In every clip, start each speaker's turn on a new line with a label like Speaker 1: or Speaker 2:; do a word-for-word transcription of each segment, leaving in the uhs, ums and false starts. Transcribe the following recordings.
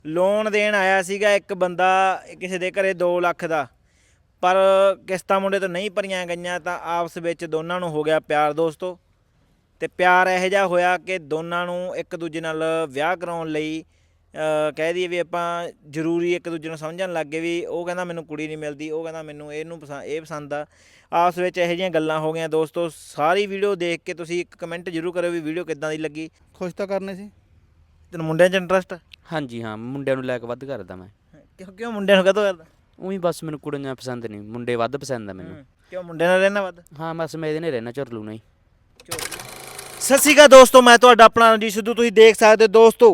Speaker 1: Loan ਦੇਣ ਆਇਆ ਸੀਗਾ ਇੱਕ ਬੰਦਾ ਕਿਸੇ ਦੇ ਘਰੇ ਦੋ ਲੱਖ ਦਾ, ਪਰ ਕਿਸ਼ਤਾਂ ਮੁੰਡੇ ਤੋਂ ਨਹੀਂ ਭਰੀਆਂ ਗਈਆਂ ਤਾਂ ਆਪਸ ਵਿੱਚ ਦੋਨਾਂ ਨੂੰ ਹੋ ਗਿਆ ਪਿਆਰ ਦੋਸਤੋ। ਤੇ ਪਿਆਰ ਇਹੋ ਜਿਹਾ ਹੋਇਆ ਕਿ ਦੋਨਾਂ ਨੂੰ ਇੱਕ ਦੂਜੇ ਨਾਲ ਵਿਆਹ ਕਰਾਉਣ ਲਈ ਕਹਿ ਦਈਏ ਵੀ ਆਪਾਂ ਜ਼ਰੂਰੀ ਇੱਕ ਦੂਜੇ ਨੂੰ ਸਮਝਣ ਲੱਗ ਗਏ ਵੀ ਉਹ ਕਹਿੰਦਾ ਮੈਨੂੰ ਕੁੜੀ ਨਹੀਂ ਮਿਲਦੀ, ਉਹ ਕਹਿੰਦਾ ਮੈਨੂੰ ਇਹਨੂੰ ਪਸੰਦ ਇਹ ਪਸੰਦ ਆ। ਆਪਸ ਵਿੱਚ ਇਹੋ ਜਿਹੀਆਂ ਗੱਲਾਂ ਹੋ ਗਈਆਂ ਦੋਸਤੋ। ਸਾਰੀ ਵੀਡੀਓ ਦੇਖ ਕੇ ਤੁਸੀਂ ਇੱਕ ਕਮੈਂਟ ਜ਼ਰੂਰ ਕਰਿਓ ਵੀ ਵੀਡੀਓ ਕਿੱਦਾਂ ਦੀ ਲੱਗੀ।
Speaker 2: ਖੁਸ਼ ਤਾਂ ਕਰਨੇ ਸੀ।
Speaker 1: ਤੈਨੂੰ ਮੁੰਡਿਆਂ 'ਚ ਇੰਟਰਸਟ?
Speaker 3: ਹਾਂਜੀ ਹਾਂ, ਮੁੰਡਿਆਂ ਨੂੰ ਲੈ ਕੇ ਵੱਧ ਕਰਦਾ ਮੈਂ।
Speaker 1: ਕਿਉਂ ਕਿਉਂ ਮੁੰਡਿਆਂ ਨੂੰ ਕਦੋਂ ਕਰਦਾ?
Speaker 3: ਉਹੀ ਬਸ ਮੈਨੂੰ ਕੁੜੀਆਂ ਪਸੰਦ ਨਹੀਂ, ਮੁੰਡੇ ਵੱਧ ਪਸੰਦ ਆ ਮੈਨੂੰ।
Speaker 1: ਕਿਉਂ ਮੁੰਡਿਆਂ ਨਾਲ ਰਹਿਣਾ ਵੱਧ?
Speaker 3: ਹਾਂ ਬਸ ਮੈਂ ਇਹਦੇ ਨਾਲ ਰਹਿਣਾ, ਝੁਰਲੂ ਨਹੀਂ।
Speaker 1: ਸਤਿ ਸ਼੍ਰੀ ਅਕਾਲ ਦੋਸਤੋ, ਮੈਂ ਤੁਹਾਡਾ ਆਪਣਾ ਰਣਜੀਤ ਸਿੱਧੂ। ਤੁਸੀਂ ਦੇਖ ਸਕਦੇ ਦੋਸਤੋ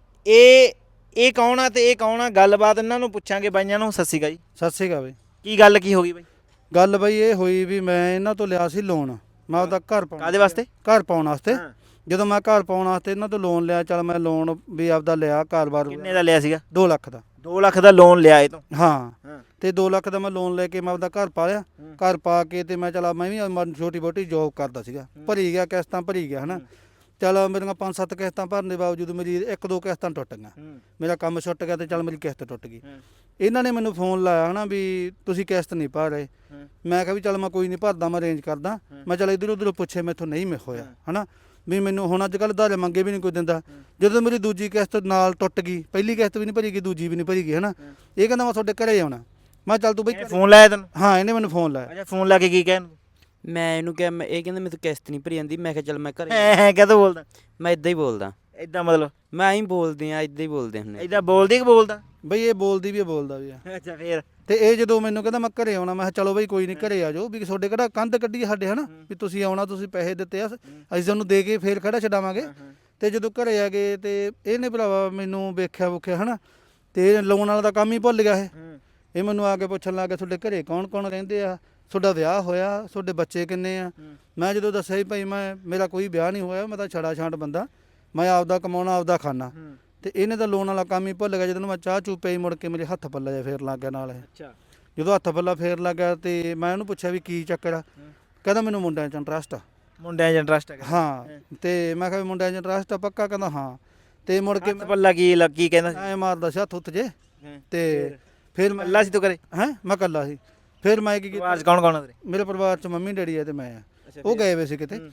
Speaker 1: ਇਹ ਇਹ ਕੌਣ ਆ ਤੇ ਇਹ ਕੌਣ ਆ, ਗੱਲਬਾਤ ਇਹਨਾਂ ਨੂੰ ਪੁੱਛਾਂਗੇ ਬਾਈਆਂ ਨੂੰ। ਸਤਿ ਸ਼੍ਰੀ ਅਕਾਲ ਜੀ।
Speaker 2: ਸਤਿ ਸ਼੍ਰੀ ਅਕਾਲ ਬਈ।
Speaker 1: ਕੀ ਗੱਲ ਕੀ ਹੋ ਗਈ ਬਾਈ?
Speaker 2: ਗੱਲ ਬਈ ਇਹ ਹੋਈ ਵੀ ਮੈਂ ਇਹਨਾਂ ਤੋਂ ਲਿਆ ਸੀ ਲੋਨ, ਮੈਂ ਆਪਦਾ ਘਰ ਪਾਉਣ
Speaker 1: ਕਾਹਦੇ ਵਾਸਤੇ?
Speaker 2: ਘਰ ਪਾਉਣ ਵਾਸਤੇ। ਜਦੋਂ ਮੈਂ ਘਰ ਪਾਉਣ ਵਾਸਤੇ ਇਹਨਾਂ ਤੋਂ ਲੋਨ ਲਿਆ, ਚੱਲ ਮੈਂ ਲੋਨ ਵੀ ਆਪਦਾ ਲਿਆ ਘਰ-ਬਾਰ।
Speaker 1: ਕਿੰਨੇ ਦਾ ਲਿਆ ਸੀਗਾ?
Speaker 2: ਦੋ ਲੱਖ ਦਾ।
Speaker 1: ਦੋ ਲੱਖ ਦਾ ਲੋਨ ਲਿਆ ਇਹ ਤੋਂ?
Speaker 2: ਹਾਂ ਤੇ ਦੋ ਲੱਖ ਦਾ ਮੈਂ ਲੋਨ ਲੈ ਕੇ ਮੈਂ ਆਪਦਾ ਘਰ ਪਾ ਲਿਆ। ਘਰ ਪਾ ਕੇ ਤੇ ਮੈਂ ਚਲਾ ਮੈਂ ਵੀ ਛੋਟੀ ਬੋਟੀ ਜੋਬ ਕਰਦਾ ਸੀਗਾ, ਭਰੀ ਗਿਆ ਕਿਸ਼ਤਾਂ ਭਰੀ ਗਿਆ ਹਨਾ। ਚੱਲ ਮੇਰੀਆਂ ਪੰਜ ਸੱਤ ਕਿਸ਼ਤਾਂ ਭਰਨ ਦੇ ਬਾਵਜੂਦ ਮੇਰੀ ਇੱਕ ਦੋ ਕਿਸ਼ਤਾਂ ਟੁੱਟ ਗਈਆਂ, ਮੇਰਾ ਕੰਮ ਛੁੱਟ ਗਿਆ ਤੇ ਚੱਲ ਮੇਰੀ ਕਿਸ਼ਤ ਟੁੱਟ ਗਈ। ਇਹਨਾਂ ਨੇ ਮੈਨੂੰ ਫੋਨ ਲਾਇਆ ਹਨਾ ਵੀ ਤੁਸੀਂ ਕਿਸ਼ਤ ਨਹੀਂ ਭਰ ਰਹੇ। ਮੈਂ ਕਿਹਾ ਵੀ ਚੱਲ ਮੈਂ ਕੋਈ ਨਹੀਂ ਭਰਦਾ, ਮੈਂ ਅਰੇਂਜ ਕਰਦਾ। ਮੈਂ ਚੱਲ ਇੱਧਰ ਉੱਧਰ ਪੁੱਛੇ, ਮੈਥੋਂ ਨਹੀਂ ਮੈਂ ਹੋਇਆ ਹਨਾ ਵੀ ਮੈਨੂੰ ਹੁਣ ਅੱਜ ਕੱਲ੍ਹ ਉਧਾਰੇ ਮੰਗੇ ਵੀ ਨਹੀਂ ਕੋਈ ਦਿੰਦਾ। ਜਦੋਂ ਮੇਰੀ ਦੂਜੀ ਕਿਸ਼ਤ ਨਾਲ ਟੁੱਟ ਗਈ, ਪਹਿਲੀ ਕਿਸ਼ਤ ਵੀ ਨਹੀਂ ਭਰੀ ਗਈ, ਦੂਜੀ ਵੀ ਨਹੀਂ ਭਰੀ ਗਈ ਹਨਾ। ਇਹ ਕਹਿੰਦਾ ਮੈਂ ਤੁਹਾਡੇ ਘਰੇ ਆਉਣਾ। ਮੈਂ ਚੱਲ ਤੂੰ ਬਈ
Speaker 1: ਫੋਨ ਲਾਇਆ ਤੈਨੂੰ?
Speaker 2: ਹਾਂ ਇਹਨੇ ਮੈਨੂੰ ਫੋਨ ਲਾਇਆ।
Speaker 1: ਅੱਛਾ, ਫੋਨ ਲਾ ਕੇ ਕੀ ਕਹਿਣ?
Speaker 3: ਮੈਂ ਇਹਨੂੰ ਕਿਹਾ, ਮੈਂ ਇਹ ਕਹਿੰਦਾ ਮੈਨੂੰ ਕਿਸ਼ਤ ਨਹੀਂ ਭਰੀ ਜਾਂਦੀ। ਮੈਂ ਕਿਹਾ ਚੱਲ ਮੈਂ ਘਰੇ।
Speaker 1: ਐ ਕਦੋਂ ਬੋਲਦਾ?
Speaker 3: ਮੈਂ ਇਦਾਂ ਹੀ ਬੋਲਦਾ।
Speaker 1: ਇਦਾਂ ਮਤਲਬ
Speaker 3: ਮੈਂ ਹੀ ਬੋਲਦੇ ਆ, ਇਦਾਂ ਹੀ ਬੋਲਦੇ ਹੁੰਦੇ।
Speaker 1: ਇਦਾਂ ਬੋਲਦੀ ਕਿ ਬੋਲਦਾ?
Speaker 2: ਬਈ ਇਹ ਬੋਲਦੀ ਵੀ, ਇਹ ਬੋਲਦਾ ਵੀ ਆ।
Speaker 1: ਅੱਛਾ ਫੇਰ?
Speaker 2: ਤੇ ਇਹ ਜਦੋਂ ਮੈਨੂੰ ਕਹਿੰਦਾ ਮੈਂ ਘਰੇ ਆਉਣਾ, ਮੈਂ ਕਿਹਾ ਚਲੋ ਬਈ ਕੋਈ ਨਹੀਂ ਘਰੇ ਆ ਜਾਓ, ਵੀ ਤੁਹਾਡੇ ਕਿਹੜਾ ਕੰਧ ਕੱਢੀ ਸਾਡੇ ਹਨਾ ਵੀ ਤੁਸੀਂ ਆਉਣਾ, ਤੁਸੀਂ ਪੈਸੇ ਦਿੱਤੇ ਆ, ਅਸੀਂ ਤੁਹਾਨੂੰ ਦੇ ਕੇ ਫੇਰ ਖੜਾ ਛਡਾਵਾਂਗੇ। ਤੇ ਜਦੋਂ ਘਰੇ ਆ ਗਏ ਤੇ ਇਹਨੇ ਭਰਾਵਾ ਮੈਨੂੰ ਵੇਖਿਆ ਵੁਖਿਆ ਹਨਾ, ਤੇ ਲੋਨ ਵਾਲਾ ਦਾ ਕੰਮ ਹੀ ਭੁੱਲ ਗਿਆ ਇਹ। ਇਹ ਮੈਨੂੰ ਆ ਕੇ ਪੁੱਛਣ ਲੱਗ ਗਿਆ ਤੁਹਾਡੇ ਘਰੇ ਕੌਣ ਕੌਣ ਰਹਿੰਦੇ ਆ, ਤੁਹਾਡਾ ਵਿਆਹ ਹੋਇਆ, ਤੁਹਾਡੇ ਬੱਚੇ ਕਿੰਨੇ ਆ। ਮੈਂ ਜਦੋਂ ਦੱਸਿਆ ਭਾਈ ਮੈਂ ਮੇਰਾ ਕੋਈ ਵਿਆਹ ਨਹੀਂ ਹੋਇਆ, ਮੈਂ ਤਾਂ ਛੜਾ ਛਾਂਟ ਬੰਦਾ, ਮੈਂ ਆਪਦਾ ਕਮਾਉਣਾ ਆਪਦਾ ਖਾਣਾ। ਤੇ ਇਹਨੇ ਤਾਂ ਲੋਨ ਵਾਲਾ ਕੰਮ ਹੀ ਭੁੱਲ ਗਿਆ। ਜਦੋਂ ਮੈਂ ਚਾਹ ਚੂ ਪਈ ਮੁੜ ਕੇ ਮੇਰੇ ਹੱਥ ਪੱਲਾ ਜਿਹਾ ਫੇਰ ਲੱਗ ਗਿਆ ਨਾਲ ਇਹ।
Speaker 1: ਅੱਛਾ।
Speaker 2: ਜਦੋਂ ਹੱਥ ਪੱਲਾ ਫੇਰ ਲੱਗ ਗਿਆ ਤੇ ਮੈਂ ਉਹਨੂੰ ਪੁੱਛਿਆ ਵੀ ਕੀ ਚੱਕਰ ਆ। ਕਹਿੰਦਾ ਮੈਨੂੰ ਮੁੰਡਿਆਂ 'ਚ ਇੰਟਰਸਟ ਆ।
Speaker 1: ਮੁੰਡਿਆਂ 'ਚ ਇੰਟਰਸਟ ਹੈ?
Speaker 2: ਹਾਂ। ਤੇ ਮੈਂ ਕਿਹਾ ਵੀ ਮੁੰਡਿਆਂ 'ਚ ਇੰਟਰਸਟ ਆ ਪੱਕਾ? ਕਹਿੰਦਾ ਹਾਂ। ਤੇ ਮੁੜ ਕੇ
Speaker 1: ਪੱਲਾ ਕੀ ਕੀ ਕਹਿੰਦਾ ਸੀ?
Speaker 2: ਐ ਮਾਰਦਾ ਸੀ ਹੱਥ ਉੱਤ ਜੇ। ਤੇ ਫਿਰ ਮੈਂ
Speaker 1: ਅੱਲਾ ਸੀ ਤੂੰ ਕਰੇ?
Speaker 2: ਹੈਂ ਮੈਂ ਇਕੱਲਾ ਸੀ। ਫਿਰ ਮੈਂ ਕੀ ਕੀਤਾ,
Speaker 1: ਪਰਿਵਾਰ 'ਚ ਕੌਣ ਕੌਣ ਆ ਤੇਰੇ?
Speaker 2: ਮੇਰੇ ਪਰਿਵਾਰ 'ਚ ਮੰਮੀ ਡੈਡੀ ਆ ਤੇ ਮੈਂ ਆ। ਉਹ ਗਏ ਵੇ ਸੀ ਕਿਤੇ।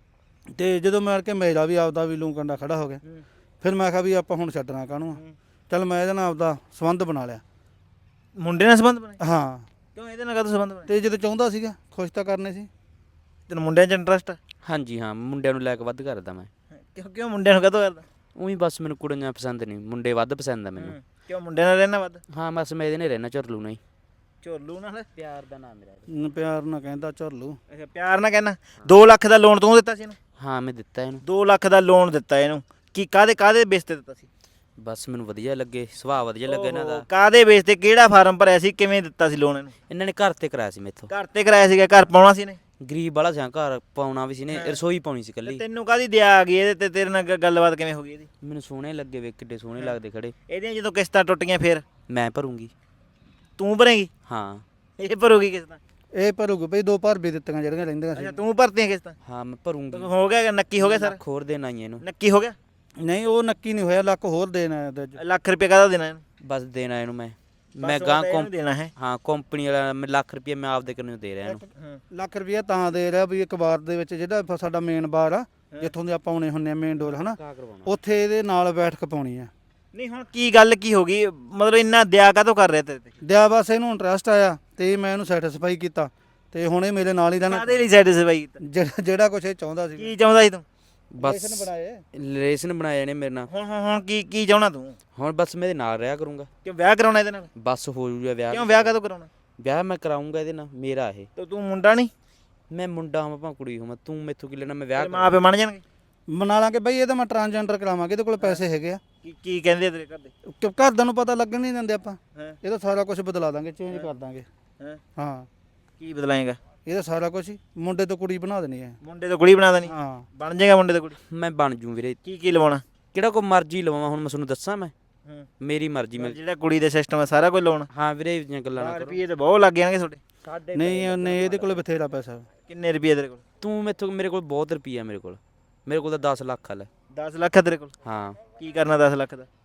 Speaker 2: ਤੇ ਜਦੋਂ ਮੈਂ ਕੇ ਮੇਰਾ ਵੀ ਆਪਦਾ ਵੀ ਲੂੰ ਕੰਡਾ ਖੜਾ ਹੋ ਗਿਆ। ਫਿਰ ਮੈਂ ਕਿਹਾ ਵੀ ਆਪਾਂ ਹੁਣ ਛੱਡਣਾ ਕਾਹਨੂੰ। ਚੱਲ ਮੈਂ ਇਹਦੇ ਨਾਲ ਆਪਦਾ ਸੰਬੰਧ ਬਣਾ ਲਿਆ।
Speaker 1: ਮੁੰਡੇ ਨਾਲ ਸੰਬੰਧ ਬਣਾਇਆ?
Speaker 2: ਹਾਂ।
Speaker 1: ਕਿਉਂ ਇਹਦੇ ਨਾਲ ਕਦੋਂ ਸੰਬੰਧ ਬਣਾਇਆ?
Speaker 2: ਤੇ ਜਦੋਂ ਚਾਹੁੰਦਾ ਸੀਗਾ ਖੁਸ਼ ਤਾਂ ਕਰਨੇ ਸੀ।
Speaker 1: ਤੈਨੂੰ ਮੁੰਡਿਆਂ 'ਚ ਇੰਟਰਸਟ?
Speaker 3: ਹਾਂਜੀ ਹਾਂ, ਮੁੰਡਿਆਂ ਨੂੰ ਲੈ ਕੇ ਵੱਧ ਕਰਦਾ ਮੈਂ।
Speaker 1: ਕਿਉਂ ਕਿਉਂ ਮੁੰਡਿਆਂ ਨੂੰ ਕਦੋਂ ਕਰਦਾ?
Speaker 3: ਉਹੀ ਬਸ ਮੈਨੂੰ ਕੁੜੀਆਂ ਪਸੰਦ ਨਹੀਂ, ਮੁੰਡੇ ਵੱਧ ਪਸੰਦ ਆ ਮੈਨੂੰ।
Speaker 1: ਕਿਉਂ ਮੁੰਡਿਆਂ ਨਾਲ ਰਹਿਣਾ ਵੱਧ?
Speaker 3: ਹਾਂ ਬਸ ਮੈਂ ਇਹਦੇ ਨਾਲ ਰਹਿਣਾ, ਝੁਰਲੂ ਨਹੀਂ।
Speaker 1: ਝੋਲੂ ਨਾਲ?
Speaker 3: ਪਿਆਰ ਦਾ ਨਾਮ ਮੇਰਾ।
Speaker 2: ਪਿਆਰ ਨਾਲ ਕਹਿੰਦਾ ਝੁਰਲੂ।
Speaker 1: ਅੱਛਾ, ਪਿਆਰ ਨਾਲ ਕਹਿਣਾ। ਦੋ ਲੱਖ ਦਾ ਲੋਨ ਤੂੰ ਦਿੱਤਾ ਸੀ ਇਹਨੂੰ?
Speaker 3: ਹਾਂ ਮੈਂ ਦਿੱਤਾ ਇਹਨੂੰ।
Speaker 1: ਦੋ ਲੱਖ ਦਾ ਲੋਨ ਦਿੱਤਾ ਇਹਨੂੰ? ਕੀ ਕਾਹਦੇ ਕਾਹਦੇ ਬੇਸ ਤੇ ਦਿੱਤਾ ਸੀ?
Speaker 3: ਬਸ ਮੈਨੂੰ ਵਧੀਆ ਲੱਗੇ, ਸੁਭਾਅ ਵਧੀਆ ਲੱਗਾ ਇਹਨਾਂ ਦਾ।
Speaker 1: ਕਾਹਦੇ ਬੇਸ ਤੇ? ਕਿਹੜਾ ਫਾਰਮ ਭਰਿਆ ਸੀ? ਕਿਵੇਂ ਦਿੱਤਾ ਸੀ ਲੋਨ ਇਹਨੂੰ?
Speaker 3: ਇਹਨਾਂ ਨੇ ਘਰ ਤੇ ਕਰਾਇਆ ਸੀ ਮੈਥੋਂ।
Speaker 1: ਘਰ ਤੇ ਕਰਾਇਆ ਸੀਗਾ? ਘਰ ਪਾਉਣਾ ਸੀ ਨੇ?
Speaker 3: ਗਰੀਬ ਵਾਲਾ ਸੀ, ਘਰ ਪਾਉਣਾ ਵੀ ਸੀ ਨੇ, ਰਸੋਈ ਪਾਉਣੀ ਸੀ ਇਕੱਲੀ।
Speaker 1: ਤੈਨੂੰ ਕਾਹਦੀ ਦਿਆ ਆ ਗਈ ਇਹਦੇ ਤੇ? ਤੇਰੇ ਨਾਲ ਗ- ਗੱਲਬਾਤ ਕਿਵੇਂ ਹੋ ਗਈ ਇਹਦੀ?
Speaker 3: ਮੈਨੂੰ ਸੋਹਣੇ ਲੱਗੇ ਵੇ, ਕਿੱਡੇ ਸੋਹਣੇ ਲੱਗਦੇ ਖੜੇ।
Speaker 1: ਇਹਦੀਆਂ ਜਦੋਂ ਕਿਸ਼ਤਾਂ ਟੁੱਟੀਆਂ ਫਿਰ
Speaker 3: ਮੈਂ ਭਰੂੰਗੀ।
Speaker 1: ਤੂੰ ਭਰੇਂਗੀ?
Speaker 3: ਹਾਂ।
Speaker 1: ਇਹ ਭਰੂਗੀ ਕਿਸ਼ਤਾਂ?
Speaker 2: ਇਹ ਭਰੂਗੇ ਬਈ, ਦੋ ਭਰ ਵੀ ਦਿੱਤੀਆਂ ਜਿਹੜੀਆਂ ਰਹਿੰਦੀਆਂ ਸੀ।
Speaker 1: ਅੱਛਾ, ਤੂੰ ਭਰਤੀਆਂ ਕਿਸ਼ਤਾਂ?
Speaker 3: ਹਾਂ ਮੈਂ ਭਰੂੰਗੀ।
Speaker 1: ਹੋ ਗਿਆ? ਨੱਕੀ ਹੋ ਗਿਆ ਸਰ?
Speaker 3: ਲੱਖ ਹੋਰ ਦੇਣਾ ਹੀ ਇਹਨੂੰ।
Speaker 1: ਨੱਕੀ ਹੋ ਗਿਆ?
Speaker 2: ਨਹੀਂ ਉਹ ਨੱਕੀ ਨਹੀਂ ਹੋਇਆ, ਲੱਖ ਹੋਰ ਦੇਣਾ ਇਹਦੇ 'ਚ।
Speaker 1: ਲੱਖ ਰੁਪਏ ਕਾਹਦਾ ਦੇਣਾ ਇਹਨੂੰ?
Speaker 3: ਬਸ ਦੇਣਾ ਇਹਨੂੰ ਮੈਂ। ਮੈਂ
Speaker 1: ਬਸ
Speaker 3: ਗਾਂ
Speaker 1: ਇਹਨੂੰ
Speaker 3: ਕੰਪ
Speaker 1: ਦੇਣਾ ਹੈ?
Speaker 3: ਹਾਂ ਕੰਪਨੀ ਵਾਲਾ ਮੈਂ ਲੱਖ ਰੁਪਏ ਮੈਂ ਆਪਦੇ ਕੋਲੋਂ ਦੇ ਰਿਹਾ ਇਹਨੂੰ।
Speaker 2: ਲੱਖ ਰੁਪਇਆ ਤਾਂ ਦੇ ਰਿਹਾ ਵੀ ਇੱਕ ਬਾਰ ਦੇ ਵਿੱਚ ਜਿਹੜਾ ਸਾਡਾ ਮੇਨ ਬਾਰ ਆ ਜਿੱਥੋਂ ਦੇ ਆਪਾਂ ਆਉਣੇ ਹੁੰਨੇ ਆ ਮੇਨ ਡੋਰ ਹਨਾ, ਉੱਥੇ ਇਹਦੇ ਨਾਲ ਬੈਠਕ ਪਾਉਣੀ ਆ।
Speaker 1: ਨਹੀਂ ਹੁਣ ਕੀ ਗੱਲ ਕੀ ਹੋ ਗਈ? ਮਤਲਬ ਇੰਨਾ ਦਿਆ ਕਾਹਤੋਂ ਕਰ ਰਿਹਾ ਤੇਰੇ ਤੇ?
Speaker 2: ਦਿਆ ਬਸ ਇਹਨੂੰ ਇੰਟਰਸਟ ਆਇਆ ਤੇ ਮੈਂ ਇਹਨੂੰ ਸੈਟੀਸਫਾਈ ਕੀਤਾ ਤੇ ਹੁਣ ਇਹ ਮੇਰੇ ਨਾਲ ਹੀ ਰਹਿਣਾ।
Speaker 1: ਕਾਹਦੇ ਲਈ ਸੈਟੀਸਫਾਈ ਕੀਤਾ?
Speaker 2: ਜਿਹੜਾ ਜਿਹੜਾ ਕੁਛ ਇਹ ਚਾਹੁੰਦਾ ਸੀ।
Speaker 1: ਕੀ ਚਾਹੁੰਦਾ ਸੀ ਤੂੰ?
Speaker 3: ਬਸ
Speaker 2: ਬਣਾਏ
Speaker 3: ਰਿਲੇਸ਼ਨ ਬਣਾਏ ਨੇ ਮੇਰੇ ਨਾਲ।
Speaker 1: ਹੁਣ ਹੁਣ ਹੁਣ ਕੀ ਕੀ ਚਾਹੁੰਦਾ ਤੂੰ?
Speaker 3: ਹੁਣ ਬਸ ਮੈਂ ਇਹਦੇ ਨਾਲ ਰਿਹਾ ਕਰੂੰਗਾ।
Speaker 1: ਕਿ ਵਿਆਹ ਕਰਾਉਣਾ ਇਹਦੇ ਨਾਲ?
Speaker 3: ਬਸ ਹੋ ਜੂਗਾ ਵਿਆਹ।
Speaker 1: ਕਿਉਂ ਵਿਆਹ ਕਦੋਂ ਕਰਾਉਣਾ?
Speaker 3: ਵਿਆਹ ਮੈਂ ਕਰਾਉਂਗਾ ਇਹਦੇ ਨਾਲ, ਮੇਰਾ ਇਹ।
Speaker 1: ਤੇ ਤੂੰ ਮੁੰਡਾ ਨਹੀਂ?
Speaker 3: ਮੈਂ ਮੁੰਡਾ ਹਾਂ ਭਾਵੇਂ ਕੁੜੀ ਹੋਵਾਂ, ਤੂੰ ਮੈਥੋਂ ਕੀ ਲੈਣਾ? ਮੈਂ ਵਿਆਹ
Speaker 1: ਮਾਂ ਪਿਓ ਮੰਨ ਜਾਣਗੇ?
Speaker 2: ਬਣਾ ਲਾਂਗੇ ਬਈ, ਇਹ ਤਾਂ ਮੈਂ ਟਰਾਂਸਜੈਂਡਰ ਕਰਾਵਾਂਗੇ, ਇਹਦੇ ਕੋਲ ਪੈਸੇ ਹੈਗੇ ਆ।
Speaker 1: ਕੀ ਕੀ ਕਹਿੰਦੇ ਤੇਰੇ ਘਰ ਦੇ?
Speaker 2: ਕਿ ਘਰਦਿਆਂ ਨੂੰ ਪਤਾ ਲੱਗਣ ਨਹੀਂ ਦਿੰਦੇ ਆਪਾਂ।
Speaker 1: ਹਾਂ।
Speaker 2: ਇਹ ਤਾਂ ਸਾਰਾ ਕੁਝ ਬਦਲਾ ਦਾਂਗੇ, ਚੇਂਜ ਕਰ ਦਾਂਗੇ।
Speaker 1: ਹਾਂ।
Speaker 2: ਹਾਂ।
Speaker 1: ਕੀ ਬਦਲਾਏਗਾ?
Speaker 2: ਇਹ ਤਾਂ ਸਾਰਾ ਕੁਝ ਹੀ ਮੁੰਡੇ ਤੋਂ ਕੁੜੀ ਬਣਾ ਦੇਣੀ ਹੈ।
Speaker 1: ਮੁੰਡੇ ਤੋਂ ਕੁੜੀ ਬਣਾ ਦੇਣੀ?
Speaker 2: ਹਾਂ।
Speaker 1: ਬਣ ਜਾਏਗਾ ਮੁੰਡੇ ਤੋਂ ਕੁੜੀ?
Speaker 3: ਮੈਂ ਬਣ ਜੂ ਵੀਰੇ।
Speaker 1: ਕੀ ਕੀ ਲਵਾਉਣਾ?
Speaker 3: ਕਿਹੜਾ ਕੋਈ ਮਰਜ਼ੀ ਲਵਾਂ ਹੁਣ ਮੈਂ ਤੁਹਾਨੂੰ ਦੱਸਾਂ? ਮੈਂ
Speaker 1: ਹੂੰ।
Speaker 3: ਮੇਰੀ ਮਰਜ਼ੀ। ਮੈਂ
Speaker 1: ਜਿਹੜਾ ਕੁੜੀ ਦੇ ਸਿਸਟਮ ਹੈ ਸਾਰਾ ਕੁਝ ਲਾਉਣਾ?
Speaker 3: ਹਾਂ ਵੀਰੇ, ਇਹ ਗੱਲਾਂ ਨਾ ਕਰੋ।
Speaker 1: ਰੁਪਏ ਤੇ ਬਹੁਤ ਲੱਗ ਜਾਣਗੇ ਤੁਹਾਡੇ।
Speaker 3: ਸਾਡੇ
Speaker 2: ਨਹੀਂ ਉਹਨੇ ਇਹਦੇ ਕੋਲ ਬਥੇਰਾ ਪੈਸਾ।
Speaker 1: ਕਿੰਨੇ ਰੁਪਏ ਤੇਰੇ ਕੋਲ?
Speaker 3: ਤੂੰ ਮੈਥੋਂ ਮੇਰੇ ਕੋਲ ਬਹੁਤ ਰੁਪਈਆ, ਮੇਰੇ ਕੋਲ ਮੇਰੇ ਕੋਲ ਤਾਂ ਦਸ ਲੱਖ ਆ ਲੈ।
Speaker 1: ਦਸ ਲੱਖ ਹੈ ਤੇਰੇ ਕੋਲ?
Speaker 3: ਹਾਂ।
Speaker 1: ਕੀ ਕਰਨਾ ਦਸ ਲੱਖ ਦਾ?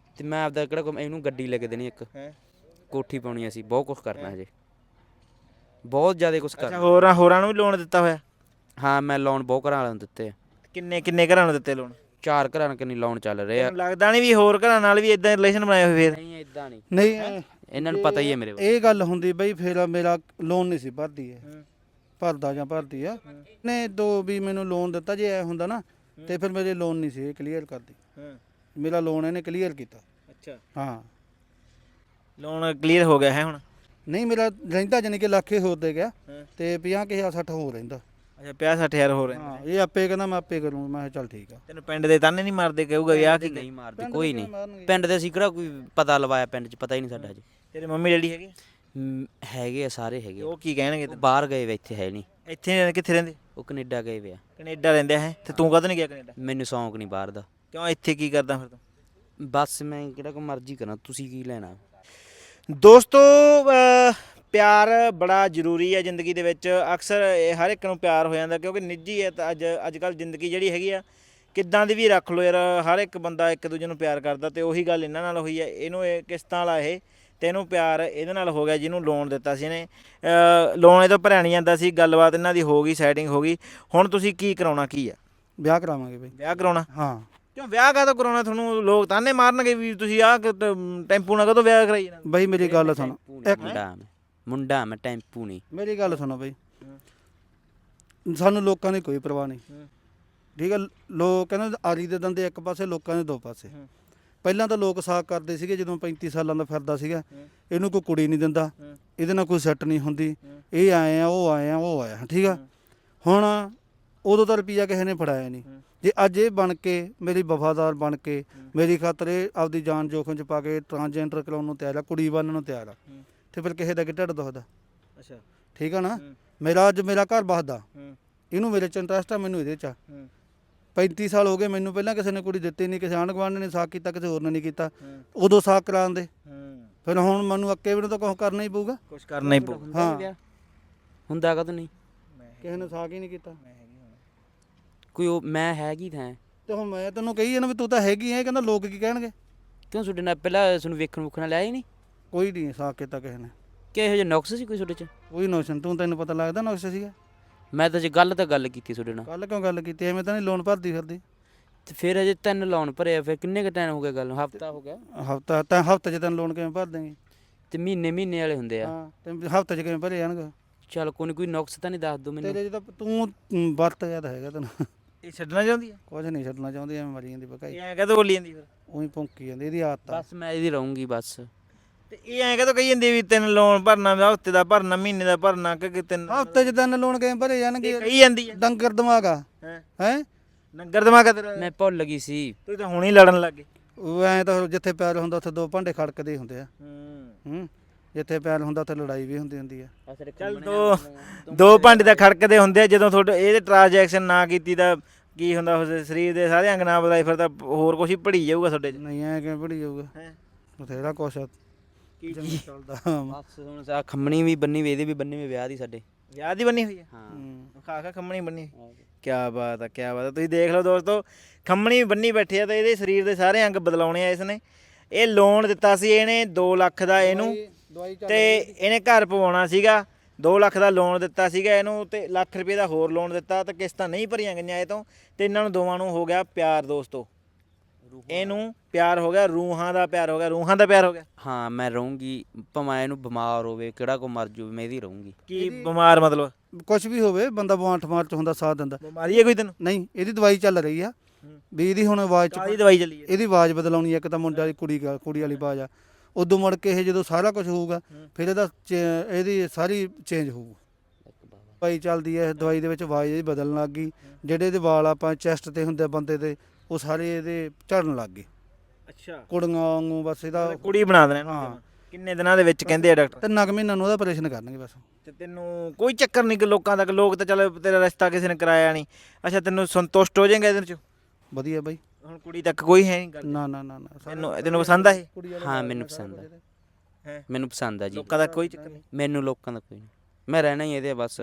Speaker 3: ਤੇ ਮੈਂ ਆਪਦਾ ਕਿਹੜਾ ਕੋਈ- ਇਹਨੂੰ ਗੱਡੀ ਲੈ ਕੇ ਦੇਣੀ ਇੱਕ,
Speaker 1: ਹੈ
Speaker 3: ਕੋਠੀ ਪਾਉਣੀ, ਅਸੀਂ ਬਹੁਤ ਕੁਝ ਕਰਨਾ ਹਜੇ, ਬਹੁਤ ਜ਼ਿਆਦਾ ਕੁਝ
Speaker 1: ਅੱਛਾ
Speaker 3: ਕਰਨਾ।
Speaker 1: ਹੋਰਾਂ ਹੋਰਾਂ ਨੂੰ ਵੀ ਲੋਨ ਦਿੱਤਾ ਹੋਇਆ?
Speaker 3: ਹਾਂ ਮੈਂ ਲੋਨ ਬਹੁਤ ਘਰਾਂ ਵਾਲਿਆਂ ਨੂੰ ਦਿੱਤੇ ਆ,
Speaker 1: ਕਿੰਨੇ ਕਿੰਨੇ ਘਰਾਂ ਨੂੰ ਦਿੱਤੇ ਲੋਨ?
Speaker 3: ਚਾਰ ਘਰਾਂ ਨੂੰ ਕਿੰਨੀ ਲੋਨ ਚੱਲ ਰਹੇ ਆ।
Speaker 1: ਤੈਨੂੰ ਲੱਗਦਾ ਨਹੀਂ ਵੀ ਹੋਰ ਘਰਾਂ ਨਾਲ ਵੀ ਇਦਾਂ ਰਿਲੇਸ਼ਨ ਬਣਾਏ ਹੋਏ ਫੇਰ?
Speaker 3: ਨਹੀਂ ਇਦਾਂ ਨਹੀਂ,
Speaker 2: ਨਹੀਂ ਐ-
Speaker 3: ਇਹਨਾਂ ਨੂੰ ਪਤਾ ਹੀ ਹੈ ਮੇਰੇ ਬਾਰੇ।
Speaker 2: ਇਹ ਗੱਲ ਹੁੰਦੀ ਬਈ ਫਿਰ ਮੇਰਾ ਲੋਨ ਨਹੀਂ ਸੀ ਭਰਦੀ ਹੈ,
Speaker 1: ਹੂੰ।
Speaker 2: ਭਰਦਾ ਜਾਂ ਭਰਦੀ ਆ ਨੇ ਦੋ ਵੀ ਮੈਨੂੰ ਲੋਨ ਦਿੱਤਾ, ਜੇ ਐ ਹੁੰਦਾ ਨਾ ਤੇ ਫਿਰ ਮੇਰੇ ਲੋਨ ਨਹੀਂ ਸੀ ਇਹ ਕਲੀਅਰ ਕਰਦੀ,
Speaker 1: ਹਾਂ
Speaker 2: ਮੇਰਾ ਲੋਨ ਇਹਨੇ ਕਲੀਅਰ ਕੀਤਾ।
Speaker 1: ਅੱਛਾ
Speaker 2: ਹਾਂ
Speaker 1: ਲੋਨ ਕਲੀਅਰ ਹੋ ਗਿਆ ਹੈ ਹੁਣ?
Speaker 2: ਨਹੀਂ ਮੇਰਾ ਰਹਿੰਦਾ ਜਾਨੀ ਕਿ ਲੱਖੇ ਹੋਰ ਦੇ ਗਿਆ
Speaker 1: ਹਾਂ।
Speaker 2: ਤੇ ਪੰਜਾਹ ਕੁ ਹਜ਼ਾਰ ਸੱਠ ਹੋਰ ਰਹਿੰਦਾ।
Speaker 1: ਅੱਛਾ ਪੰਜਾਹ ਸੱਠ ਹਜ਼ਾਰ ਹੋ ਰਹੇ
Speaker 2: ਹਾਂ ਇਹ ਆਪੇ ਕਹਿੰਦਾ ਮੈਂ ਆਪੇ ਕਰੂੰ, ਮੈਂ ਕਿਹਾ ਚੱਲ ਠੀਕ ਆ।
Speaker 1: ਤੈਨੂੰ ਪਿੰਡ ਦੇ ਤਾਨੇ ਨਹੀਂ ਮਾਰਦੇ ਕਹੂਗਾ ਵੀ ਆਹ ਕੀ
Speaker 3: ਨਹੀਂ ਮਾਰਦੇ
Speaker 2: ਪਿੰਡ
Speaker 3: ਕੋਈ
Speaker 2: ਦੇ
Speaker 3: ਨਹੀਂ,
Speaker 2: ਮਾਰਨਗੇ।
Speaker 3: ਪਿੰਡ ਦੇ ਅਸੀਂ ਕਿਹੜਾ ਕੋਈ ਪਤਾ ਲਵਾਇਆ, ਪਿੰਡ 'ਚ ਪਤਾ ਹੀ ਨਹੀਂ ਸਾਡਾ ਹਜੇ।
Speaker 1: ਤੇਰੇ ਮੰਮੀ ਡੈਡੀ ਹੈਗੇ?
Speaker 3: ਮ, ਹੈਗੇ ਆ, ਸਾਰੇ ਹੈਗੇ
Speaker 1: ਤੇ
Speaker 3: ਆ।
Speaker 1: ਉਹ ਕੀ ਕਹਿਣਗੇ
Speaker 3: ਉਹ
Speaker 1: ਤੈਨੂੰ?
Speaker 3: ਬਾਹਰ ਗਏ ਵੇ, ਇੱਥੇ ਹੈ ਨਹੀਂ।
Speaker 1: ਇੱਥੇ ਨਹੀਂ ਰਹਿੰਦੇ, ਕਿੱਥੇ ਰਹਿੰਦੇ?
Speaker 3: ਉਹ ਕੈਨੇਡਾ ਗਏ ਵੇ ਆ।
Speaker 1: ਕੈਨੇਡਾ ਰਹਿੰਦੇ ਹੈ ਤੇ ਤੂੰ ਕਦੋਂ ਨਹੀਂ ਗਿਆ ਕੈਨੇਡਾ?
Speaker 3: ਮੈਨੂੰ ਸ਼ੌਂਕ ਨਹੀਂ ਬਾਹਰ ਦਾ।
Speaker 1: ਕਿਉਂ ਇੱਥੇ ਕੀ ਕਰਦਾ ਫਿਰ ਤੂੰ?
Speaker 3: ਬਸ ਮੈਂ ਕਿਹੜਾ ਕੋਈ ਮਰਜ਼ੀ ਕਰਾਂ, ਤੁਸੀਂ ਕੀ ਲੈਣਾ।
Speaker 1: ਦੋਸਤੋ ਅਹ, ਪਿਆਰ ਬੜਾ ਜ਼ਰੂਰੀ ਹੈ ਜ਼ਿੰਦਗੀ ਦੇ ਵਿੱਚ। ਅਕਸਰ ਇਹ ਹਰ ਇੱਕ ਨੂੰ ਪਿਆਰ ਹੋ ਜਾਂਦਾ ਕਿਉਂਕਿ ਨਿੱਜੀ ਹੈ ਤਾਂ ਅੱਜ ਅੱਜ ਕੱਲ੍ਹ ਜ਼ਿੰਦਗੀ ਜਿਹੜੀ ਹੈਗੀ ਆ ਕਿੱਦਾਂ ਦੀ ਵੀ ਰੱਖ ਲਓ ਯਾਰ, ਹਰ ਇੱਕ ਬੰਦਾ ਇੱਕ ਦੂਜੇ ਨੂੰ ਪਿਆਰ ਕਰਦਾ ਤੇ ਉਹੀ ਗੱਲ ਇਹਨਾਂ ਨਾਲ ਹੋਈ ਹੈ। ਇਹਨੂੰ ਇਹ ਕਿਸ਼ਤਾਂ ਵਾਲਾ ਇਹ ਤੇ ਇਹਨੂੰ ਪਿਆਰ ਇਹਦੇ ਨਾਲ ਹੋ ਗਿਆ ਜਿਹਨੂੰ ਲੋਨ ਦਿੱਤਾ ਸੀ ਇਹਨੇ। ਲੋਨ ਇਹ ਤੋਂ ਭਰਿਆ ਨਹੀਂ ਜਾਂਦਾ ਸੀ, ਗੱਲਬਾਤ ਇਹਨਾਂ ਦੀ ਹੋ ਗਈ, ਸੈਟਿੰਗ ਹੋ ਗਈ। ਹੁਣ ਤੁਸੀਂ ਕੀ ਕਰਾਉਣਾ ਕੀ ਆ?
Speaker 2: ਵਿਆਹ ਕਰਾਵਾਂਗੇ ਬਈ।
Speaker 1: ਵਿਆਹ ਕਰਾਉਣਾ?
Speaker 2: ਹਾਂ
Speaker 1: ਕਿਉਂ ਵਿਆਹ ਕਾਹਤੋਂ ਕਰਾਉਣਾ? ਤੁਹਾਨੂੰ ਲੋਕ ਤਾਨੇ ਮਾਰਨਗੇ ਵੀ ਤੁਸੀਂ ਆਹ ਟੈਂਪੂ ਨਾਲ ਕਦੋਂ ਵਿਆਹ ਕਰਾਈ ਜਾਣਾ?
Speaker 2: ਬਈ ਮੇਰੀ ਗੱਲ ਸੁਣ, ਇੱਕ
Speaker 3: ਮੁੰਡਾ ਮੈਂ ਮੁੰਡਾ ਮੈਂ ਟੈਂਪੂ ਨਹੀਂ।
Speaker 2: ਮੇਰੀ ਗੱਲ ਸੁਣੋ ਬਈ, ਸਾਨੂੰ ਲੋਕਾਂ ਦੀ ਕੋਈ ਪਰਵਾਹ ਨਹੀਂ, ਠੀਕ ਹੈ। ਲੋਕ ਕਹਿੰਦੇ ਆਰੀ ਦੇ ਦੰਦੇ ਇੱਕ ਪਾਸੇ, ਲੋਕਾਂ ਦੇ ਦੋ ਪਾਸੇ। ਪਹਿਲਾਂ ਤਾਂ ਲੋਕ ਸਾਕ ਕਰਦੇ ਸੀਗੇ ਜਦੋਂ ਪੈਂਤੀ ਸਾਲਾਂ ਦਾ ਫਿਰਦਾ ਸੀਗਾ, ਇਹਨੂੰ ਕੋਈ ਕੁੜੀ ਨਹੀਂ ਦਿੰਦਾ, ਇਹਦੇ ਨਾਲ ਕੋਈ ਸੈੱਟ ਨਹੀਂ ਹੁੰਦੀ, ਇਹ ਆਏ ਆ ਉਹ ਆਏ ਆ ਉਹ ਆਇਆ, ਠੀਕ ਆ। ਹੁਣ ਉਦੋਂ ਤਾਂ ਰੁਪਈਆ ਕਿਸੇ ਨੇ ਫੜਾਇਆ ਨਹੀਂ। ਜੇ ਅੱਜ ਇਹ ਬਣ ਕੇ ਮੇਰੀ ਵਫਾਦਾਰ ਬਣ ਕੇ ਮੇਰੀ ਖਾਤਰ ਇਹ ਆਪਦੀ ਜਾਨ ਜੋਖਮ 'ਚ ਪਾ ਕੇ ਟਰਾਂਸਜੈਂਡਰ ਕਰਾਉਣ ਨੂੰ ਤਿਆਰ ਆ, ਕੁੜੀ ਬਣਨ ਨੂੰ ਤਿਆਰ ਆ, ਤੇ ਫਿਰ ਕਿਸੇ ਦਾ ਕਿ ਢਿੱਡ ਦੁਖਦਾ?
Speaker 1: ਅੱਛਾ
Speaker 2: ਠੀਕ ਆ ਨਾ। ਮੇਰਾ ਅੱਜ ਮੇਰਾ ਘਰ ਬਸਦਾ, ਇਹਨੂੰ ਮੇਰੇ 'ਚ ਇੰਟਰਸਟ ਆ, ਮੈਨੂੰ ਇਹਦੇ 'ਚ ਆ। ਪੈਂਤੀ ਸਾਲ ਹੋ ਗਏ ਮੈਨੂੰ, ਪਹਿਲਾਂ ਕਿਸੇ ਨੇ ਕੁੜੀ ਦਿੱਤੀ ਨਹੀਂ, ਕਿਸੇ ਆਂਢ ਗੁਆਂਢ ਨੇ ਸਾਕ ਕੀਤਾ, ਕਿਸੇ ਹੋਰ ਨੇ ਨਹੀਂ ਕੀਤਾ। ਉਦੋਂ ਸਾਕ ਕਰਾਉਣ ਦੇ, ਫਿਰ ਹੁਣ ਮੈਨੂੰ ਅੱਕੇ ਵੀ ਨੂੰ ਤਾਂ ਕੁਛ ਕਰਨਾ ਹੀ ਪਊਗਾ।
Speaker 1: ਕੁਝ ਕਰਨਾ ਹੀ ਪਊ।
Speaker 2: ਹਾਂ
Speaker 3: ਹੁੰਦਾ ਕਦੋਂ ਨਹੀਂ,
Speaker 2: ਕਿਸੇ ਨੇ ਸਾਕ ਹੀ ਨਹੀਂ ਕੀਤਾ।
Speaker 3: ਕੋਈ ਉਹ ਮੈਂ ਹੈਗੀ ਥਾਂ।
Speaker 2: ਤੇ ਹੁਣ ਮੈਂ ਤੈਨੂੰ ਕਹੀ ਜਾਂਦਾ ਵੀ ਤੂੰ ਤਾਂ ਹੈਗੀ ਐ, ਕਹਿੰਦਾ ਲੋਕ ਕੀ ਕਹਿਣਗੇ?
Speaker 3: ਕਿਉਂ ਤੁਹਾਡੇ ਨਾਲ ਪਹਿਲਾਂ ਤੁਹਾਨੂੰ ਵੇਖਣ ਵੁਖਣ ਲਿਆ ਹੀ ਨਹੀਂ?
Speaker 2: ਕੋਈ ਨਹੀਂ ਸਾਕ ਕੀਤਾ ਕਿਸੇ ਨੇ,
Speaker 3: ਕਿ ਇਹੋ ਜਿਹਾ ਨੁਕਸ ਸੀ ਕੋਈ ਤੁਹਾਡੇ 'ਚ?
Speaker 2: ਕੋਈ ਨੋਸ਼ਨ ਤੂੰ ਤੈਨੂੰ ਪਤਾ ਲੱਗਦਾ ਨੁਕਸ ਸੀਗਾ?
Speaker 3: ਮੈਂ ਤਾਂ ਜੇ ਗੱਲ ਤਾਂ ਗੱਲ ਕੀਤੀ ਤੁਹਾਡੇ ਨਾਲ।
Speaker 2: ਕੱਲ ਕਿਉਂ ਗੱਲ ਕੀਤੀ? ਐਵੇਂ ਤਾਂ ਨਹੀਂ ਲੋਨ ਭਰਦੀ ਫਿਰਦੀ।
Speaker 3: ਤੇ ਫਿਰ ਅਜੇ ਤਿੰਨ ਲੋਨ ਭਰੇ ਆ, ਫਿਰ ਕਿੰਨੇ ਕੁ ਟਾਈਮ ਹੋ ਗਿਆ ਗੱਲ ਨੂੰ? ਹਫਤਾ ਹੋ ਗਿਆ।
Speaker 2: ਹਫਤਾ ਤਾਂ ਹਫਤੇ 'ਚ ਤੈਨੂੰ ਲੋਨ ਕਿਵੇਂ ਭਰ ਦੇਂਗੇ?
Speaker 3: ਤੇ ਮਹੀਨੇ ਮਹੀਨੇ ਵਾਲੇ ਹੁੰਦੇ ਆ।
Speaker 2: ਹਾਂ ਤੇ ਹਫਤੇ 'ਚ ਕਿਵੇਂ ਭਰੇ ਜਾਣਗੇ?
Speaker 3: ਚੱਲ ਕੋਈ ਨੀ, ਕੋਈ ਨੁਕਸ ਤਾਂ ਨਹੀਂ ਦੱਸ ਦੋ ਮੈਨੂੰ।
Speaker 2: ਤੇਰੇ 'ਚ ਤਾਂ ਤੂੰ ਮ, ਵਰਤ ਗਿਆ ਤਾਂ ਹੈਗਾ ਤੈਨੂੰ।
Speaker 1: ਇਹ ਛੱਡਣਾ ਚਾਹੁੰਦੀ ਹੈ?
Speaker 2: ਕੁਝ ਨਹੀਂ ਛੱਡਣਾ ਚਾਹੁੰਦੀ, ਐਵੇਂ ਮਰੀ ਜਾਂਦੀ ਬਕਾਈ,
Speaker 1: ਇਹ ਐਂ ਕਹਦੋਂ ਬੋਲੀ ਜਾਂਦੀ ਫਿਰ?
Speaker 2: ਉਹੀ ਭੌਂਕੀ ਜਾਂਦੀ, ਇਹਦੀ ਆਦਤ ਆ।
Speaker 3: ਬਸ ਮੈਂ ਇਹਦੀ ਰਹੂੰਗੀ ਬਸ।
Speaker 1: ਤੇ ਇਹ ਐਂ ਕਹਦੋਂ ਕਹੀ ਜਾਂਦੀ ਵੀ ਤਿੰਨ ਲੋਨ ਭਰਨਾ, ਹਫ਼ਤੇ ਦਾ ਭਰਨਾ, ਮਹੀਨੇ ਦਾ ਭਰਨਾ, ਕਿ ਤਿੰਨ
Speaker 2: ਹਫਤੇ 'ਚ ਤਿੰਨ ਲੋਨ ਕਿਵੇਂ ਭਰੇ ਜਾਣਗੇ?
Speaker 1: ਕਹੀ ਜਾਂਦੀ ਹੈ
Speaker 2: ਡੰਗਰ ਦਿਮਾਗ ਆ
Speaker 1: ਹੈ
Speaker 2: ਹੈ।
Speaker 1: ਨੰਗਰ ਦਿਮਾਗ ਆ ਤੇਰਾ।
Speaker 3: ਮੈਂ ਭੁੱਲ ਗਈ ਸੀ।
Speaker 1: ਤੂੰ ਤਾਂ ਹੁਣ ਹੀ ਲੜਨ ਲੱਗ ਗਈ।
Speaker 2: ਉਹ ਐਂ ਤਾਂ ਜਿੱਥੇ ਪਿਆਰ ਹੁੰਦਾ ਉੱਥੇ ਦੋ ਭਾਂਡੇ ਖੜਕਦੇ ਹੁੰਦੇ ਆ।
Speaker 1: ਹੂੰ
Speaker 2: ਹੂੰ ਜਿੱਥੇ ਪਿਆਰ ਹੁੰਦਾ ਉੱਥੇ ਲੜਾਈ ਵੀ ਹੁੰਦੀ ਹੁੰਦੀ ਆ।
Speaker 1: ਚੱਲ ਦੋ ਦੋ ਭਾਂਡੇ ਤਾਂ ਖੜਕਦੇ ਹੁੰਦੇ ਆ ਜਦੋਂ ਤੁਹਾਡੇ ਇਹਦੇ ਟ੍ਰਾਂਜੈਕਸ਼ਨ ਨਾ ਕੀਤੀ ਤਾਂ ਕੀ ਹੁੰਦਾ, ਉਸ ਸਰੀਰ ਦੇ ਸਾਰੇ ਅੰਗ ਨਾ ਬਦਲਾਈ ਫਿਰ ਤਾਂ ਹੋਰ ਕੁਛ ਹੀ ਭੜੀ ਜਾਊਗਾ ਤੁਹਾਡੇ 'ਚ।
Speaker 2: ਨਹੀਂ ਐ ਕਿਵੇਂ ਭੜੀ ਜਾਊਗਾ?
Speaker 1: ਹੈਂ?
Speaker 2: ਬਥੇਰਾ ਕੁਛ ਆ,
Speaker 1: ਕੀ
Speaker 2: ਜਿਵੇਂ
Speaker 1: ਚੀਜ਼?
Speaker 2: ਚੱਲਦਾ।
Speaker 3: ਬਸ ਹੁਣ ਸਾ ਖੰਮਣੀ ਵੀ ਬੰਨੀ ਵੀ, ਇਹਦੇ ਵੀ ਬੰਨੀ ਵੀ, ਵਿਆਹ ਦੀ ਸਾਡੇ।
Speaker 1: ਵਿਆਹ ਦੀ ਬੰਨੀ ਹੋਈ ਹੈ?
Speaker 3: ਹਾਂ
Speaker 2: ਹੂੰ।
Speaker 1: ਖਾ ਖਾ ਖੰਮਣੀ ਬੰਨੀ। ਕੀ ਬਾਤ ਆ, ਕੀ ਬਾਤ ਆ। ਤੁਸੀਂ ਦੇਖ ਲਓ ਦੋਸਤੋ, ਖੰਮਣੀ ਵੀ ਬੰਨੀ ਬੈਠੇ ਆ ਤੇ ਇਹਦੇ ਸਰੀਰ ਦੇ ਸਾਰੇ ਅੰਗ ਬਦਲਾਉਣੇ ਆ ਇਸਨੇ। ਇਹ ਲੋਨ ਦਿੱਤਾ ਸੀ ਇਹਨੇ ਦੋ ਲੱਖ ਦਾ ਇਹਨੂੰ,
Speaker 2: ਦਵਾਈ ਚੱਲ
Speaker 1: ਤੇ ਇਹਨੇ ਘਰ ਪਵਾਉਣਾ ਸੀਗਾ। ਦੋ ਲੱਖ ਦਾ ਲੋਨ ਦਿੱਤਾ ਸੀਗਾ ਇਹਨੂੰ ਤੇ ਲੱਖ ਰੁਪਏ ਦਾ ਹੋਰ ਲੋਨ ਦਿੱਤਾ ਤੇ ਕਿਸ਼ਤਾਂ ਨਹੀਂ ਭਰੀਆਂ ਗਈਆਂ ਇਹ ਤੋਂ, ਤੇ ਇਹਨਾਂ ਨੂੰ ਦੋਵਾਂ ਨੂੰ ਹੋ ਗਿਆ ਪਿਆਰ ਦੋਸਤੋ। ਇਹਨੂੰ ਪਿਆਰ ਹੋ ਗਿਆ, ਰੂਹਾਂ ਦਾ ਪਿਆਰ ਹੋ ਗਿਆ, ਰੂਹਾਂ ਦਾ ਪਿਆਰ ਹੋ ਗਿਆ।
Speaker 3: ਹਾਂ ਮੈਂ ਰਹੂੰਗੀ, ਭਾਵੇਂ ਇਹਨੂੰ ਬਿਮਾਰ ਹੋਵੇ, ਕਿਹੜਾ ਕੋ ਮਰ ਜੂ, ਮੈਂ ਇਹਦੀ ਰਹੂੰਗੀ।
Speaker 1: ਕੀ ਬਿਮਾਰ ਮਤਲਬ?
Speaker 2: ਕੁਛ ਵੀ ਹੋਵੇ, ਬੰਦਾ ਬਾਂਠ ਮਾਰ ਚ ਹੁੰਦਾ, ਸਾਥ ਦਿੰਦਾ।
Speaker 1: ਬਿਮਾਰੀ ਹੈ ਕੋਈ ਤੈਨੂੰ?
Speaker 2: ਨਹੀਂ ਇਹਦੀ ਦਵਾਈ ਚੱਲ ਰਹੀ ਆ ਵੀ, ਇਹਦੀ ਹੁਣ ਆਵਾਜ਼
Speaker 1: ਕਾਹਦੀ
Speaker 2: ਚ
Speaker 1: ਦਵਾਈ ਚੱਲੀ ਹੈ?
Speaker 2: ਇਹਦੀ ਆਵਾਜ਼ ਬਦਲਾਉਣੀ ਆ। ਇੱਕ ਤਾਂ ਮੁੰਡਾ ਦੀ ਕੁੜੀ ਗਾ- ਕੁੜੀ ਵਾਲੀ ਆਵਾਜ਼ ਆ, ਉਦੋਂ ਮੁੜ ਕੇ ਇਹ ਜਦੋਂ ਸਾਰਾ ਕੁਝ ਹੋਊਗਾ ਫਿਰ ਇਹਦਾ ਚੇ- ਇਹਦੀ ਸਾਰੀ ਚੇਂਜ ਹੋਊ। ਦਵਾਈ ਚੱਲਦੀ ਹੈ, ਦਵਾਈ ਦੇ ਵਿੱਚ ਆਵਾਜ਼ ਇਹਦੀ ਬਦਲਣ ਲੱਗ ਗਈ। ਜਿਹੜੇ ਇਹਦੇ ਵਾਲ ਆਪਾਂ ਚੈਸਟ ਤੇ ਹੁੰਦੇ ਬੰਦੇ ਦੇ, ਉਹ ਸਾਰੇ ਇਹਦੇ ਝੜਨ ਲੱਗ ਗਏ
Speaker 1: ਅੱਛਾ,
Speaker 2: ਕੁੜੀਆਂ ਵਾਂਗੂ। ਬਸ ਇਹਦਾ
Speaker 1: ਕੁੜੀ ਬਣਾ ਦੇਣਾ ਇਹਨੂੰ।
Speaker 2: ਹਾਂ।
Speaker 1: ਕਿੰਨੇ ਦਿਨਾਂ ਦੇ ਵਿੱਚ ਕਹਿੰਦੇ ਆ ਡਾਕਟਰ?
Speaker 2: ਤਿੰਨ ਕੁ ਮਹੀਨਿਆਂ ਨੂੰ ਉਹਦਾ ਆਪਰੇਸ਼ਨ ਕਰਨਗੇ ਬਸ।
Speaker 1: ਤੇ ਤੈਨੂੰ ਕੋਈ ਚੱਕਰ ਨਹੀਂ ਕਿ ਲੋਕਾਂ ਤੱਕ, ਲੋਕ ਤਾਂ ਚੱਲ ਤੇਰਾ ਰਿਸ਼ਤਾ ਕਿਸੇ ਨੇ ਕਰਾਇਆ ਨਹੀਂ, ਅੱਛਾ ਤੈਨੂੰ ਸੰਤੁਸ਼ਟ ਹੋ ਜਾਏਗਾ ਇਹਦੇ ਚ?
Speaker 2: ਵਧੀਆ ਬਾਈ।
Speaker 1: ਹੁਣ ਕੁੜੀ ਤੱਕ ਕੋਈ ਹੈ ਨਹੀਂ ਗੱਲ?
Speaker 2: ਨਾ ਨਾ ਨਾ ਨਾ
Speaker 1: ਤੈਨੂੰ ਤੈਨੂੰ ਪਸੰਦ ਆ ਇਹ?
Speaker 2: ਕੁੜੀ ਵਾਲੇ
Speaker 3: ਹਾਂ
Speaker 2: ਵਾਲ
Speaker 3: ਮੈਨੂੰ
Speaker 2: ਨੇ ਸਾਰਾ
Speaker 3: ਪਸੰਦ
Speaker 2: ਕੁਝ
Speaker 3: ਆ,
Speaker 2: ਇਹਦੇ।
Speaker 1: ਹੈ
Speaker 3: ਮੈਨੂੰ ਪਸੰਦ ਆ ਜੀ।
Speaker 1: ਲੋਕਾਂ ਦਾ ਕੋਈ ਚੱਕਰ ਨਹੀਂ?
Speaker 3: ਮੈਨੂੰ ਲੋਕਾਂ ਦਾ ਕੋਈ ਨਹੀਂ, ਮੈਂ ਰਹਿਣਾ ਹੀ ਇਹਦੇ ਬਸ।
Speaker 1: ਹੂੰ।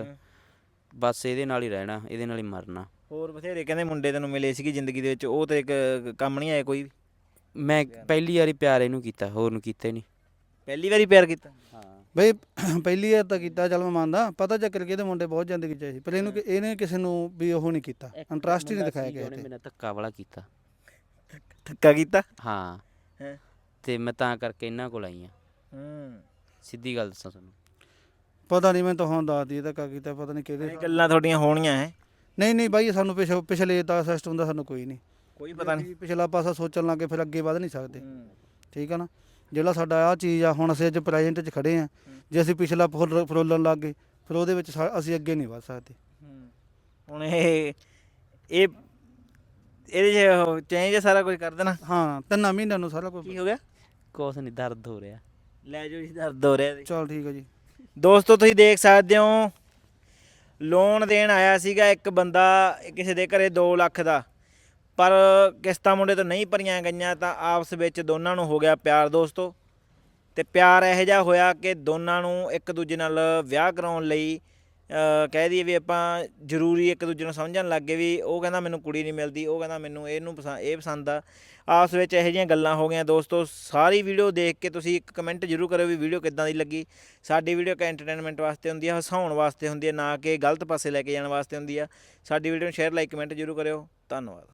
Speaker 3: ਬਸ ਇਹਦੇ ਨਾਲ ਹੀ ਰਹਿਣਾ, ਇਹਦੇ ਨਾਲ ਹੀ ਮਰਨਾ।
Speaker 1: ਹੋਰ ਬਥੇਰੇ ਕਹਿੰਦੇ ਮੁੰਡੇ ਤੈਨੂੰ ਮਿਲੇ ਸੀਗੇ ਜ਼ਿੰਦਗੀ ਦੇ ਵਿੱਚ, ਉਹ ਤੇ ਇੱਕ ਕੰਮ ਨਹੀਂ ਆਇਆ ਕੋਈ ਵੀ?
Speaker 3: ਮੈਂ ਪਹਿਲੀ ਵਾਰੀ ਪਿਆਰ ਇਹਨੂੰ ਕੀਤਾ, ਹੋਰ ਨੂੰ ਕੀਤਾ ਹੀ ਨਹੀਂ।
Speaker 1: ਪਹਿਲੀ ਵਾਰੀ ਪਿਆਰ ਕੀਤਾ?
Speaker 3: ਹਾਂ
Speaker 2: ਬਈ ਪਹਿਲੀ ਵਾਰ ਤਾਂ ਕੀਤਾ, ਚੱਲ ਮੈਂ ਮੰਨਦਾ, ਪਤਾ ਚੱਕਰ ਕਿ ਇਹਦੇ ਮੁੰਡੇ ਬਹੁਤ ਜ਼ਿੰਦਗੀ ਚ ਆਏ ਸੀ, ਪਰ ਇਹਨੂੰ ਕਿ- ਇਹਨੇ ਕਿਸੇ ਨੂੰ ਵੀ ਉਹ ਨਹੀਂ ਕੀਤਾ, ਇੰਟਰਸਟ ਹੀ ਨਹੀਂ ਦਿਖਾਇਆ ਕਿਸੇ
Speaker 3: ਉਹਨੇ
Speaker 2: ਤੇ।
Speaker 3: ਮੇਰਾ ਧੱਕਾ ਵਾਲਾ ਕੀਤਾ।
Speaker 1: ਧੱਕਾ ਕੀਤਾ?
Speaker 3: ਹਾਂ
Speaker 1: ਹੈਂ?
Speaker 3: ਤੇ ਮੈਂ ਤਾਂ ਕਰਕੇ ਇਹਨਾਂ ਕੋਲ ਆਈ ਆ।
Speaker 1: ਹੂੰ।
Speaker 3: ਸਿੱਧੀ ਗੱਲ ਦੱਸਾਂ ਤੁਹਾਨੂੰ।
Speaker 2: ਪਤਾ ਨਹੀਂ, ਮੈਂ ਤਾਂ ਹੁਣ ਦੱਸਦੀ ਇਹ ਧੱਕਾ ਕੀਤਾ, ਪਤਾ ਨਹੀਂ ਕਿਹਦੇ।
Speaker 1: ਇਹ ਗੱਲਾਂ ਤੁਹਾਡੀਆਂ ਹੋਣੀਆਂ ਹੈ,
Speaker 2: ਨਹੀਂ ਨਹੀਂ ਬਾਈ, ਸਾਨੂੰ ਪਿਛ ਪਿਛਲੇ ਦਾ ਸਿਸਟਮ ਦਾ ਸਾਨੂੰ ਕੋਈ ਨਹੀਂ,
Speaker 1: ਕੋਈ ਪਤਾ ਨਹੀਂ।
Speaker 2: ਅਸੀਂ ਪਿਛਲਾ ਪਾਸਾ ਸੋਚਣ ਲੱਗੇ ਫਿਰ ਅੱਗੇ ਵਧ ਨਹੀਂ ਸਕਦੇ, ਠੀਕ ਆ ਨਾ। ਜਿਹੜਾ ਸਾਡਾ ਆਹ ਚੀਜ਼ ਆ, ਹੁਣ ਅਸੀਂ ਅੱਜ ਪ੍ਰੈਜੈਂਟ 'ਚ ਖੜੇ ਆ, ਜੇ ਅਸੀਂ ਪਿਛਲਾ ਫੁੱਲ ਫਰੋਲਣ ਲੱਗ ਗਏ ਫਿਰ ਉਹਦੇ ਵਿੱਚ ਸਾ- ਅਸੀਂ ਅੱਗੇ ਨਹੀਂ ਵਧ ਸਕਦੇ।
Speaker 1: ਹੁਣ ਇਹ ਇਹ ਇਹਦੇ 'ਚ ਚੇਂਜ ਸਾਰਾ ਕੁਝ ਕਰ ਦੇਣਾ।
Speaker 2: ਹਾਂ, ਤਿੰਨਾਂ ਮਹੀਨਿਆਂ ਨੂੰ ਸਾਰਾ ਕੁਝ।
Speaker 1: ਕੀ ਹੋ ਗਿਆ?
Speaker 3: ਕੁਛ ਨਹੀਂ, ਦਰਦ ਹੋ ਰਿਹਾ।
Speaker 1: ਲੈ ਜਾਓ ਜੀ, ਦਰਦ ਹੋ ਰਿਹਾ ਜੀ।
Speaker 2: ਚਲ ਠੀਕ ਆ ਜੀ।
Speaker 1: ਦੋਸਤੋ ਤੁਸੀਂ ਦੇਖ ਸਕਦੇ ਹੋ, ਲੋਨ ਦੇਣ ਆਇਆ ਸੀਗਾ ਇੱਕ ਬੰਦਾ ਕਿਸੇ ਦੇ ਘਰੇ ਦੋ ਲੱਖ ਦਾ, ਪਰ ਕਿਸ਼ਤਾਂ ਮੁੰਡੇ ਤੋਂ ਨਹੀਂ ਭਰੀਆਂ ਗਈਆਂ ਤਾਂ ਆਪਸ ਵਿੱਚ ਦੋਨਾਂ ਨੂੰ ਹੋ ਗਿਆ ਪਿਆਰ ਦੋਸਤੋ। ਤੇ ਪਿਆਰ ਇਹੋ ਜਿਹਾ ਹੋਇਆ ਕਿ ਦੋਨਾਂ ਨੂੰ ਇੱਕ ਦੂਜੇ ਨਾਲ ਵਿਆਹ ਕਰਾਉਣ ਲਈ ਅ, ਕਹਿ ਦਈਏ ਵੀ ਆਪਾਂ ਜ਼ਰੂਰੀ ਇੱਕ ਦੂਜੇ ਨੂੰ ਸਮਝਣ ਲੱਗ ਗਏ ਵੀ ਉਹ ਕਹਿੰਦਾ ਮੈਨੂੰ ਕੁੜੀ ਨਹੀਂ ਮਿਲਦੀ, ਉਹ ਕਹਿੰਦਾ ਮੈਨੂੰ ਇਹਨੂੰ ਪਸੰਦ ਇਹ ਪਸੰਦ ਆ। ਆਪਸ ਵਿੱਚ ਇਹੋ ਜਿਹੀਆਂ ਗੱਲਾਂ ਹੋ ਗਈਆਂ ਦੋਸਤੋ। ਸਾਰੀ ਵੀਡੀਓ ਦੇਖ ਕੇ ਤੁਸੀਂ ਇੱਕ ਕਮੈਂਟ ਜ਼ਰੂਰ ਕਰਿਓ ਵੀ ਵੀਡੀਓ ਕਿੱਦਾਂ ਦੀ ਲੱਗੀ। ਸਾਡੀ ਵੀਡੀਓ ਇੱਕ ਐਂਟਰਟੇਨਮੈਂਟ ਵਾਸਤੇ ਹੁੰਦੀ ਆ, ਹਸਾਉਣ ਵਾਸਤੇ ਹੁੰਦੀ ਹੈ, ਨਾ ਕਿ ਗਲਤ ਪਾਸੇ ਲੈ ਕੇ ਜਾਣ ਵਾਸਤੇ ਹੁੰਦੀ ਆ। ਸਾਡੀ ਵੀਡੀਓ ਨੂੰ ਸ਼ੇਅਰ ਲਾਈਕ ਕਮੈਂਟ ਜ਼ਰੂਰ ਕਰਿਓ। ਧੰਨਵਾਦ।